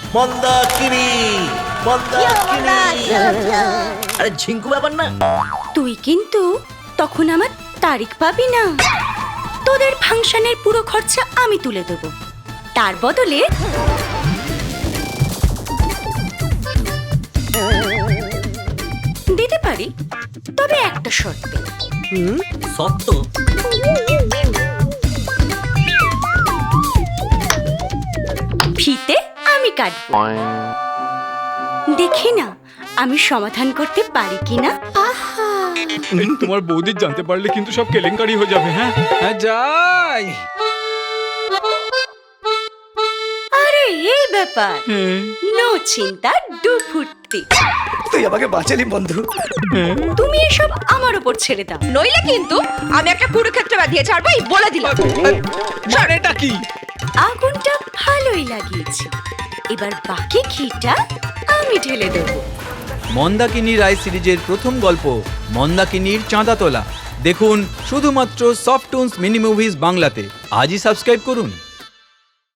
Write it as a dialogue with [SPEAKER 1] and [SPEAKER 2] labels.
[SPEAKER 1] মন্দাকিনী আরে ঝিঙ্কু ব্যাপার না।
[SPEAKER 2] তুই কিন্তু তখন আমার তারিখ পাবি না। তোদের ফাংশনের পুরো খরচা আমি তুলে দেবো, তার বদলে দিতে পারি, তবে একটা শর্তে।
[SPEAKER 1] সত্য?
[SPEAKER 2] ফিতে আমি কাটবো, দেখি না আমি সমাধান করতে পারি কিনা। আহা,
[SPEAKER 3] তোমার বৌদি জানতে পারলে কিন্তু সব কেলেঙ্কারি হয়ে যাবে। হ্যাঁ হ্যাঁ যাই।
[SPEAKER 2] আরে এই ব্যাপার, নো চিন্তা ডু ফুর্তি।
[SPEAKER 4] তুই আমাকে বাঁচালি বন্ধু।
[SPEAKER 2] তুমি এসব আমার উপর ছেড়ে দাও,
[SPEAKER 5] নইলে কিন্তু আমি একটা কুরুক্ষেত্র বাঁধিয়ে ছাড়বো, এই বলে দিলাম।
[SPEAKER 3] মানেটা কি?
[SPEAKER 2] আগুনটা ভালোই লাগিয়েছি, এবার বাকি ঘিটা আমি ঢেলে দেবো।
[SPEAKER 6] মন্দাকিনী রায় সিরিজের প্রথম গল্প মন্দাকিনীর চাঁদা তোলা দেখুন শুধুমাত্র সফট টুনস মিনি মুভিজ বাংলাতে। আজই সাবস্ক্রাইব করুন।